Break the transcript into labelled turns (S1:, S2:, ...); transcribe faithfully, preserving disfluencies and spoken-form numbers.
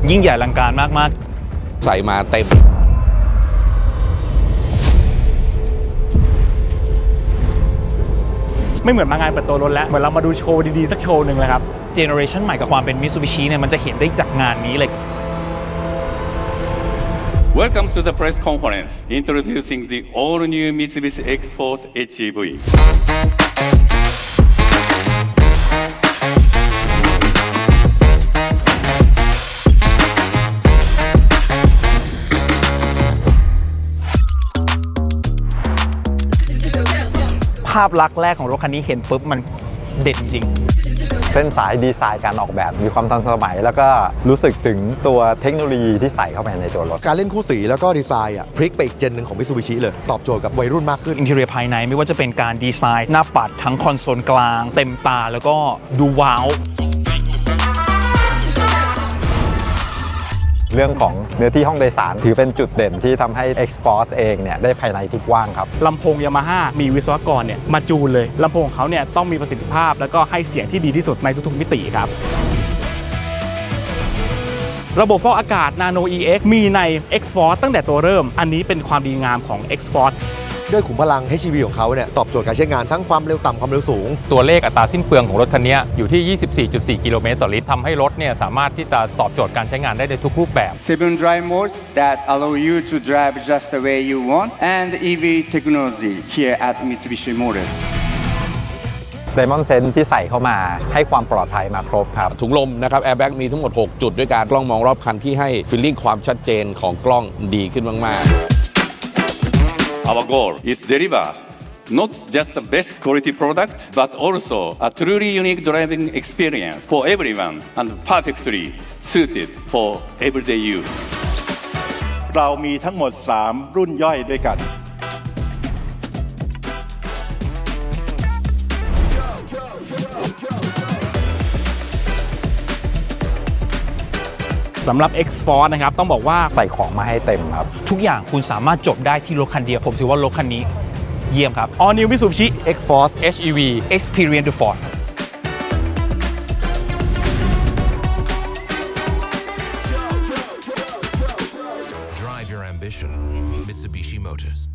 S1: ยิ่งใหญ่อลังการมาก
S2: ๆใส่มาเต็ม
S1: ไม่เหมือนมางานเปิดตัวรถแล้วเหมือนเรามาดูโชว์ดีๆสักโชว์หนึ่งเลยครับเจเนอเรชันใหม่กับความเป็น Mitsubishi เนี่ยมันจะเห็นได้จากงานนี้เลย
S3: Welcome to the press conference introducing the all-new Mitsubishi X-Force เอช อี วี
S1: ภาพลักษณ์แรกของรถคันนี้เห็นปุ๊บมันเด่นจริง
S4: เส้นสายดีไซน์การออกแบบมีความทันสมัยแล้วก็รู้สึกถึงตัวเทคโนโลยีที่ใส่เข้าไปในตัวรถ
S5: การเล่นคู่สีแล้วก็ดีไซน์อ่ะพลิกไปอีกเจนหนึ่งของ Mitsubishi เลยตอบโจทย์กับวัยรุ่นมากขึ้น
S1: อินทีเรียภายในไม่ว่าจะเป็นการดีไซน์หน้าปัดทั้งคอนโซลกลางเต็มตาแล้วก็ดูว้าว
S4: เรื่องของเนื้อที่ห้องโดยสารถือเป็นจุดเด่นที่ทำให้ X-Force เองเนี่ยได้ภายในที่กว้างครับ
S1: ลำโพง Yamaha มีวิศวกรเนี่ยมาจูนเลยลำโพงของเขาเนี่ยต้องมีประสิทธิภาพแล้วก็ให้เสียงที่ดีที่สุดในทุกๆมิติครับระบบฟอกอากาศ Nano อี เอ็กซ์ มีใน X-Force ตั้งแต่ตัวเริ่มอันนี้เป็นความดีงามของ X-Force
S5: ด้วยขุมพลัง เอช อี วี ของเขาเนี่ยตอบโจทย์การใช้งานทั้งความเร็วต่ำความเร็วสูง
S6: ตัวเลขอัตราสิ้นเปลืองของรถคันนี้อยู่ที่ ยี่สิบสี่จุดสี่ กิโลเมตรต่อลิตรทำให้รถเนี่ยสามารถที่จะตอบโจทย์การใช้งานได้ในทุกรูปแบบ
S7: Seven drive modes that allow you to drive just the way you want and อี วี technology here at Mitsubishi Motors
S4: Diamond Sense ที่ใส่เข้ามาให้ความปลอดภัยมาครบครับ
S2: ถุงลมนะครับแอร์แบ็กมีทั้งหมดหกจุดด้วยการกล้องมองรอบคันที่ให้ฟีลลิ่งความชัดเจนของกล้องดีขึ้นมากๆ
S3: Our goal is deliver not just the best quality product, but also a truly unique driving experience for everyone and perfectly suited for everyday use.
S8: เรามีทั้งหมดสามรุ่นย่อยด้วยกัน
S1: สำหรับ X-Force นะครับต้องบอกว่า
S4: ใส่ของมาให้เต็มครับ
S1: ทุกอย่างคุณสามารถจบได้ที่รถคันเดียวผมถือว่ารถคันนี้เยี่ยมครับ All New Mitsubishi
S5: X-Force
S6: เอช อี วี
S1: Experience the Force
S9: Drive your ambition Mitsubishi Motors